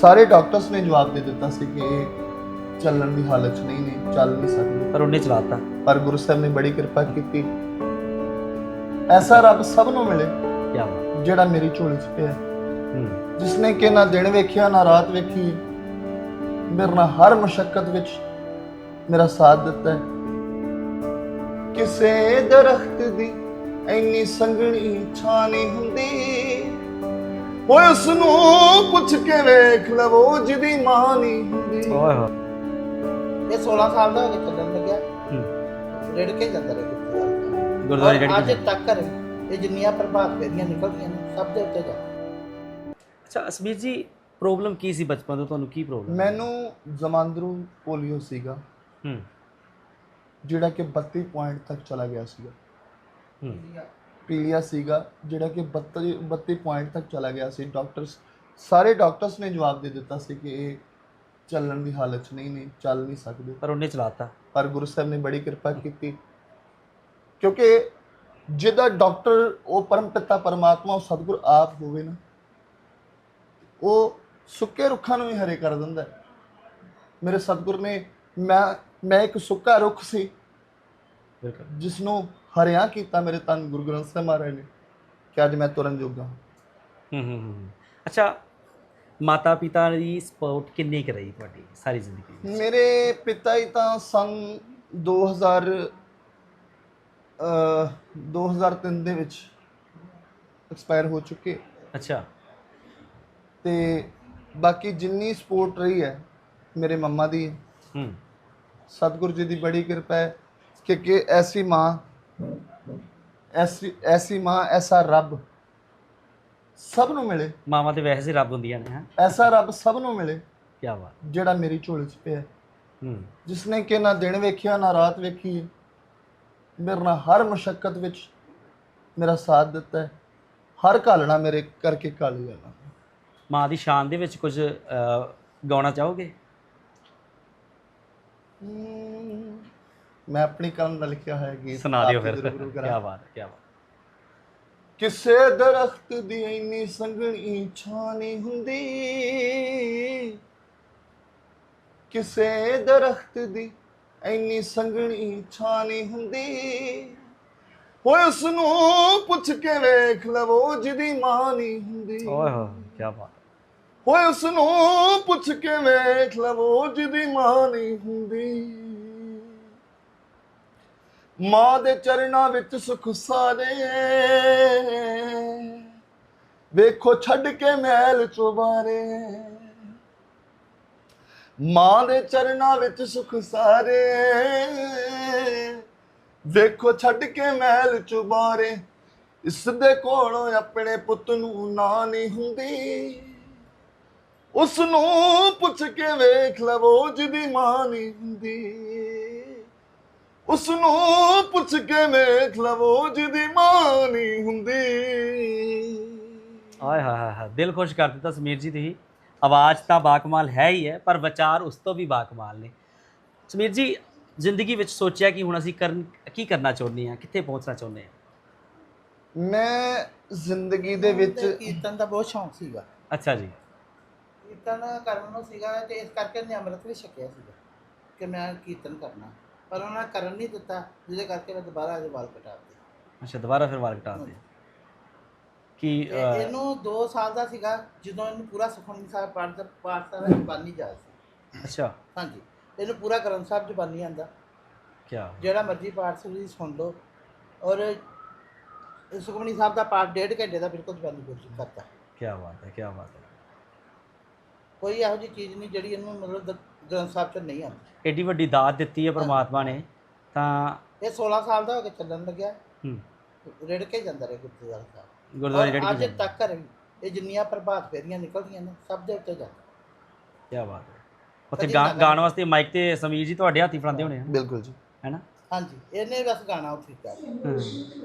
ਸਾਰੇ ਡਾਕਟਰਸ ਨੇ ਜਵਾਬ ਦੇ ਦਿੱਤਾ ਸੀ ਕਿ ਇਹ ਚੱਲਣ ਦੀ ਹਾਲਤ 'ਚ ਨਹੀਂ ਨੇ, ਚੱਲ ਨਹੀਂ ਸਕਦੇ, ਪਰ ਉਹਨੇ ਚਲਾਤਾ। ਪਰ ਗੁਰੂ ਸਾਹਿਬ ਨੇ ਬੜੀ ਕਿਰਪਾ ਕੀਤੀ। ਐਸਾ ਰੱਬ ਸਭ ਨੂੰ ਮਿਲੇ ਕੀ ਬਾਤ। ਜਿਹੜਾ ਮੇਰੀ ਝੋਲੀ 'ਚ ਪਿਆ, ਜਿਸਨੇ ਕਿ ਨਾ ਦਿਨ ਵੇਖਿਆ ਨਾ ਰਾਤ ਵੇਖੀ, ਮੇਰੇ ਨਾਲ ਹਰ ਮੁਸ਼ੱਕਤ ਵਿੱਚ ਮੇਰਾ ਸਾਥ ਦਿੱਤਾ ਹੈ। ਕਿਸੇ ਦਰਖਤ ਦੀ ਇੰਨੀ ਸੰਘਣੀ ਛਾਂ ਨਹੀਂ ਹੁੰਦੀ, ਓਏ ਉਸ ਨੂੰ ਪੁੱਛ ਕੇ ਵੇਖ ਲਵੋ ਜਿਹਦੀ ਮਾਂ ਨਹੀਂ ਹੁੰਦੀ। ਓਏ ਹੋਏ। ਇਹ 16 ਸਾਲ ਦਾ ਹੋ ਕੇ ਚੱਲਣ ਲੱਗਿਆ, ਰੇੜ ਕੇ ਜਾਂਦਾ ਰਿਹਾ ਗੁਰਦੁਆਰੇ ਰੇੜ ਅੱਜ ਕੇ ਤੱਕ ਇਹ ਜਿੰਨੀਆਂ ਪ੍ਰਭਾਤ ਫੇਰੀਆਂ ਨਿਕਲਦੀਆਂ ਨੇ ਸਭ ਦੇ ਉੱਤੇ ਜਾ। ਅੱਛਾ ਅਸਮੀਰ ਜੀ, ਪ੍ਰੋਬਲਮ ਕੀ ਸੀ ਬਚਪਨ ਤੋਂ? ਤੁਹਾਨੂੰ ਕੀ ਪ੍ਰੋਬਲਮ? ਮੈਨੂੰ ਜਮਾਂਦਰੂ ਪੋਲੀਓ ਸੀਗਾ, ਜਿਹੜਾ ਕਿ 32 ਪੁਆਇੰਟ ਤੱਕ ਚਲਾ ਗਿਆ ਸੀਗਾ। ਪੀਲੀਆ ਸੀਗਾ ਜਿਹੜਾ ਕਿ 32 ਪੁਆਇੰਟ ਤੱਕ ਚਲਾ ਗਿਆ ਸੀ। ਸਾਰੇ ਡਾਕਟਰਸ ਨੇ ਜਵਾਬ ਦੇ ਦਿੱਤਾ ਸੀ ਕਿ ਇਹ ਚੱਲਣ ਦੀ ਹਾਲਤ 'ਚ ਨਹੀਂ ਨੇ, ਚੱਲ ਨਹੀਂ ਸਕਦੇ, ਪਰ ਉਹਨੇ ਚਲਾਤਾ। ਪਰ ਗੁਰੂ ਸਾਹਿਬ ਨੇ ਬੜੀ ਕਿਰਪਾ ਕੀਤੀ, ਕਿਉਂਕਿ ਜਿਹਦਾ ਡਾਕਟਰ ਉਹ ਪਰਮ ਪਿਤਾ ਪਰਮਾਤਮਾ ਉਹ ਸਤਿਗੁਰ ਆਪ ਹੋਵੇ ਨਾ, ਉਹ ਸੁੱਕੇ ਰੁੱਖਾਂ ਨੂੰ ਵੀ ਹਰੇ ਕਰ ਦਿੰਦਾ ਹੈ। ਮੇਰੇ ਸਤਿਗੁਰ ਨੇ ਮੈਂ ਇੱਕ ਸੁੱਕਾ ਰੁੱਖ ਸੀ ਜਿਸ ਨੂੰ ਹਰਿਆ ਕੀਤਾ ਮੇਰੇ ਧੰਨ ਗੁਰੂ ਗ੍ਰੰਥ ਸਾਹਿਬ ਮਹਾਰਾਜ ਨੇ, ਕਿ ਅੱਜ ਮੈਂ ਤੁਰਨ ਜੋਗਾ ਹਾਂ। ਅੱਛਾ, ਮਾਤਾ ਪਿਤਾ ਦੀ ਸਪੋਰਟ ਕਿੰਨੀ ਕੁ ਰਹੀ ਤੁਹਾਡੀ ਸਾਰੀ ਜ਼ਿੰਦਗੀ ਵਿੱਚ? ਮੇਰੇ ਪਿਤਾ ਜੀ ਤਾਂ ਸੰਨ 2003 ਦੇ ਵਿੱਚ ਐਕਸਪਾਇਰ ਹੋ ਚੁੱਕੇ। ਅੱਛਾ। ਤੇ ਬਾਕੀ ਜਿੰਨੀ ਸਪੋਰਟ ਰਹੀ ਹੈ ਮੇਰੇ ਮੰਮਾ ਦੀ, ਸਤਿਗੁਰੂ ਜੀ ਦੀ ਬੜੀ ਕਿਰਪਾ ਹੈ ਕਿ ਐਸੀ ਮਾਂ ਐਸਾ ਰੱਬ ਸਭ ਨੂੰ ਮਿਲੇ। ਮਾਵਾਂ ਤੇ ਵੈਸੇ ਹੀ ਰੱਬ ਹੁੰਦੀਆਂ ਨੇ। ਐਸਾ ਰੱਬ ਸਭ ਨੂੰ ਮਿਲੇ ਕੀ ਬਾਤ। ਜਿਹੜਾ ਮੇਰੀ ਝੋਲੀ 'ਚ ਪਿਆ, ਜਿਸਨੇ ਕਿ ਨਾ ਦਿਨ ਵੇਖਿਆ ਨਾ ਰਾਤ ਵੇਖੀ, ਮੇਰੇ ਨਾਲ ਹਰ ਮੁਸ਼ੱਕਤ ਵਿੱਚ ਮੇਰਾ ਸਾਥ ਦਿੱਤਾ ਹੈ। ਹਰ ਘਾਲਣਾ ਮੇਰੇ ਕਰਕੇ ਘਾਲੀ ਜਾਣਾ। ਮਾਂ ਦੀ ਸ਼ਾਨ ਦੇ ਵਿੱਚ ਕੁਝ ਗਾਉਣਾ ਚਾਹੋਗੇ? ਮੈਂ ਆਪਣੀ ਕਲਮ ਦਾ ਲਿਖਿਆ ਹੋਇਆ ਗੀਤ ਸੁਣਾ ਦਿਓ ਫਿਰ। ਕੀ ਕੀ ਬਾਤ, ਕੀ ਬਾਤ। ਕਿਸੇ ਦਰਖਤ ਦੀ ਇੰਨੀ ਸੰਘਣੀ ਛਾਂ ਨਹੀਂ ਹੁੰਦੀ, ਕਿਸੇ ਦਰਖਤ ਦੀ ਇੰਨੀ ਸੰਘਣੀ ਛਾਂ ਨਹੀਂ ਹੁੰਦੀ, ਓਏ ਉਸ ਨੂੰ ਪੁੱਛ ਕੇ ਵੇਖ ਲਵੋ ਜਿਹਦੀ ਮਾਂ ਨਹੀਂ ਹੁੰਦੀ। ਓਏ ਹੋਏ, ਕੀ ਬਾਤ। ਓਏ ਉਸ ਨੂੰ ਪੁੱਛ ਕੇ ਵੇਖ ਲਵੋ ਜਿਹਦੀ ਮਾਂ ਨਹੀਂ ਹੁੰਦੀ। ਮਾਂ ਦੇ ਚਰਨਾਂ ਵਿੱਚ ਸੁਖ ਸਾਰੇ, ਵੇਖੋ ਛੱਡ ਕੇ ਮੈਲ ਚੁਬਾਰੇ। ਮਾਂ ਦੇ ਚਰਨਾਂ ਵਿੱਚ ਸੁਖ ਸਾਰੇ, ਵੇਖੋ ਛੱਡ ਕੇ ਮੈਲ ਚੁਬਾਰੇ। ਇਸ ਦੇ ਕੋਲੋਂ ਆਪਣੇ ਪੁੱਤ ਨੂੰ ਨਾ ਨਹੀਂ ਹੁੰਦੀ, ਉਸ ਨੂੰ ਪੁੱਛ ਕੇ ਵੇਖ ਲਵੋ ਜਿਹਦੀ ਮਾਂ ਨਹੀਂ ਹੁੰਦੀ। ਉਸ ਨੂੰ ਪੁੱਛ ਕੇ ਵੇਖ ਲਵੋ ਜਿਹਦੀ ਮਾਂ ਨਹੀਂ ਹੁੰਦੀ। ਆਏ ਹਾਏ ਹਾਏ, ਦਿਲ ਖੁਸ਼ ਕਰ ਦਿੱਤਾ ਸਮੀਰ ਜੀ। ਤੁਸੀਂ ਆਵਾਜ਼ ਤਾਂ ਬਾਕਮਾਲ ਹੈ ਹੀ ਹੈ, ਪਰ ਵਿਚਾਰ ਉਸ ਤੋਂ ਵੀ ਬਾਕਮਾਲ ਨੇ। ਸਮੀਰ ਜੀ, ਜ਼ਿੰਦਗੀ ਵਿੱਚ ਸੋਚਿਆ ਕਿ ਹੁਣ ਅਸੀਂ ਕੀ ਕਰਨਾ ਚਾਹੁੰਦੇ ਹਾਂ, ਕਿੱਥੇ ਪਹੁੰਚਣਾ ਚਾਹੁੰਦੇ ਹਾਂ? ਮੈਂ ਜ਼ਿੰਦਗੀ ਦੇ ਵਿੱਚ ਕੀਰਤਨ ਦਾ ਬਹੁਤ ਸ਼ੌਂਕ ਸੀਗਾ। ਅੱਛਾ ਜੀ। ਕੀਰਤਨ ਕਰਨ ਨੂੰ ਸੀਗਾ ਤੇ ਇਸ ਕਰਕੇ ਮੈਂ ਅੰਮ੍ਰਿਤ ਵੀ ਛਕਿਆ ਸੀਗਾ ਕਿ ਮੈਂ ਕੀਰਤਨ ਕਰਨਾ, ਪਰ ਉਹਨਾਂ ਨੇ ਕਰਨ ਨਹੀਂ ਦਿੱਤਾ, ਜਿਹਦੇ ਕਰਕੇ ਮੈਂ ਦੁਬਾਰਾ ਇਹਦੇ ਵਾਲ ਕਟਾ ਦਿੱਤੇ। ਅੱਛਾ, ਦੁਬਾਰਾ ਫਿਰ ਵਾਲ ਕਟਾ ਦਿੱਤੇ। ਕਿ ਇਹਨੂੰ 2 ਸਾਲ ਦਾ ਸੀਗਾ ਜਦੋਂ ਇਹਨੂੰ ਪੂਰਾ ਸੁਖਮਨੀ ਸਾਹਿਬ ਪਾਠ ਦਾ ਜ਼ੁਬਾਨੀ ਜਾਇਜ਼ ਸੀ। ਅੱਛਾ। ਹਾਂਜੀ, ਇਹਨੂੰ ਪੂਰਾ ਗ੍ਰੰਥ ਸਾਹਿਬ ਜ਼ੁਬਾਨੀ ਆਉਂਦਾ, ਜਿਹੜਾ ਮਰਜ਼ੀ ਪਾਠ ਤੁਸੀਂ ਸੁਣ ਲਓ। ਔਰ ਸੁਖਮਨੀ ਸਾਹਿਬ ਦਾ ਪਾਠ 1.5 ਘੰਟੇ ਦਾ ਬਿਲਕੁਲ ਜ਼ੁਬਾਨੀ ਗੁਰਜੀਤ ਕਰਦਾ। ਕੀ ਬਾਤ ਹੈ, ਕੀ ਬਾਤ ਹੈ। ਕੋਈ ਇਹੋ ਜਿਹੀ ਚੀਜ਼ ਨਹੀਂ ਜਿਹੜੀ ਇਹਨੂੰ ਮਤਲਬ ਗ੍ਰੰਥ ਸਾਹਿਬ 'ਚ ਨਹੀਂ ਆਉਂਦੀ। ਏਡੀ ਵੱਡੀ ਦਾਤ ਦਿੱਤੀ ਹੈ ਪਰਮਾਤਮਾ ਨੇ। ਤਾਂ ਇਹ 16 ਸਾਲ ਦਾ ਹੋ ਕੇ ਚੱਲਣ ਲੱਗਿਆ, ਰੇੜ ਕੇ ਜਾਂਦਾ ਰਿਹਾ ਗੁਰਦੁਆਰਾ ਸਾਹਿਬ। ਗੁਰਦੁਆਰੇ ਰੇੜ ਕੇ ਅੱਜ ਤੱਕ ਇਹ ਜਿੰਨੀਆਂ ਪ੍ਰਭਾਤ ਫੇਰੀਆਂ ਨਿਕਲਦੀਆਂ ਨੇ ਸਭ ਦੇ ਉੱਤੇ ਜਾਂਦਾ। ਕੀ ਬਾਤ ਹੈ। ਉੱਥੇ ਗਾਣ ਵਾਸਤੇ ਮਾਈਕ ਤੇ ਸਮੀਰ ਜੀ ਤੁਹਾਡੇ ਹੱਥੀ ਫੜਾਉਂਦੇ ਹੋਣੇ ਆ? ਬਿਲਕੁਲ ਜੀ, ਹੈ ਨਾ? ਹਾਂਜੀ, ਇਹਨੇ ਬਸ ਗਾਣਾ ਉੱਥੇ